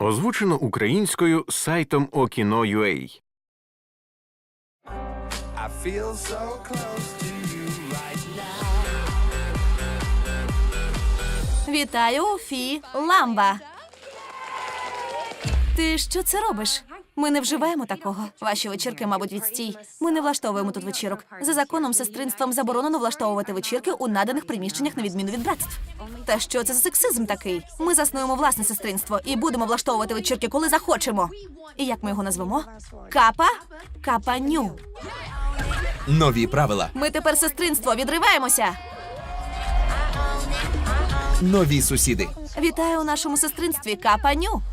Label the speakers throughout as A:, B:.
A: Озвучено українською сайтом Okino.ua.
B: I feel so close to you right now.
C: Вітаю, Фі Ламба. Ти що це робиш? Ми не вживаємо такого. Ваші вечірки, мабуть, відстій. Ми не влаштовуємо тут вечірок. За законом сестринством заборонено влаштовувати вечірки у наданих приміщеннях на відміну від братств. Та що це за сексизм такий? Ми заснуємо власне сестринство і будемо влаштовувати вечірки, коли захочемо. І як ми його назвемо? Капа? Капаню.
D: Нові правила,
C: Ми тепер сестринство, відриваємося.
D: нові сусіди.
C: Вітаю у нашому сестринстві, Капаню.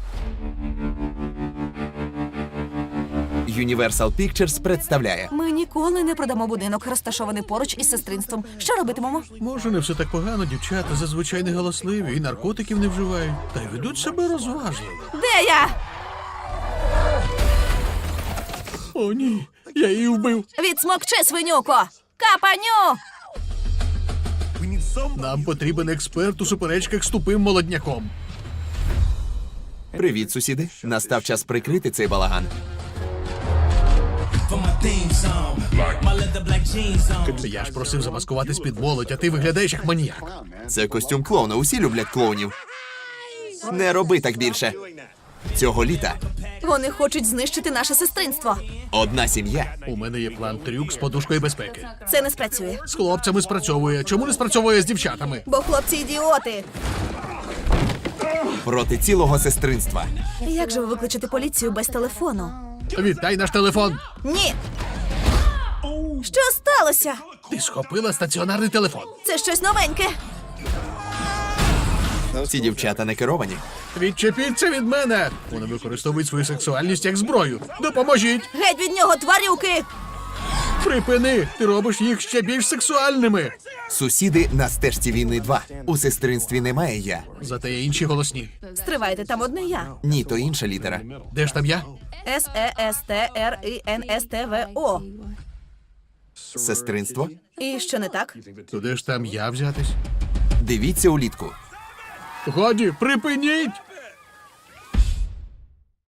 D: Universal Pictures представляє
C: Ми ніколи не продамо будинок, розташований поруч із сестринством. Що робитимемо?
E: Може, не все так погано, дівчата зазвичай не галасливі і наркотиків не вживають, та й ведуть себе розважливо.
C: Де я?
E: О, ні, я її вбив.
C: Відсмокчи, свинюко! Капаню!
E: Нам потрібен експерт у суперечках з тупим молодняком.
D: Привіт, сусіди. Настав час прикрити цей балаган.
E: Я ж просив замаскуватись під молодь, а ти виглядаєш як маніяк.
D: Це костюм клоуна. Усі люблять клоунів. Не роби так більше. Цього літа
C: Вони хочуть знищити наше сестринство.
D: одна сім'я
E: У мене є план трюк з подушкою безпеки.
C: Це не спрацює.
E: З хлопцями спрацьовує. Чому не спрацьовує з дівчатами?
C: Бо хлопці ідіоти.
D: проти цілого сестринства.
C: Як же ви викличете поліцію без телефону?
E: Віддай наш телефон.
C: Ні. Що сталося?
E: Ти схопила стаціонарний телефон.
C: Це щось новеньке.
D: Ці дівчата не керовані.
E: Відчепіться від мене. Вони використовують свою сексуальність як зброю. Допоможіть.
C: Геть від нього, тварюки!
E: Припини. Ти робиш їх ще більш сексуальними.
D: Сусіди на стежці війни 2. У сестринстві немає я.
E: Зате є інші голосні.
C: Стривайте, там одне я.
D: Ні, то інша літера.
E: Де ж там я?
C: Сестринство.
D: Сестринство?
C: І що не так?
E: Туди ж там я взятись.
D: Дивіться улітку.
E: Годі, припиніть!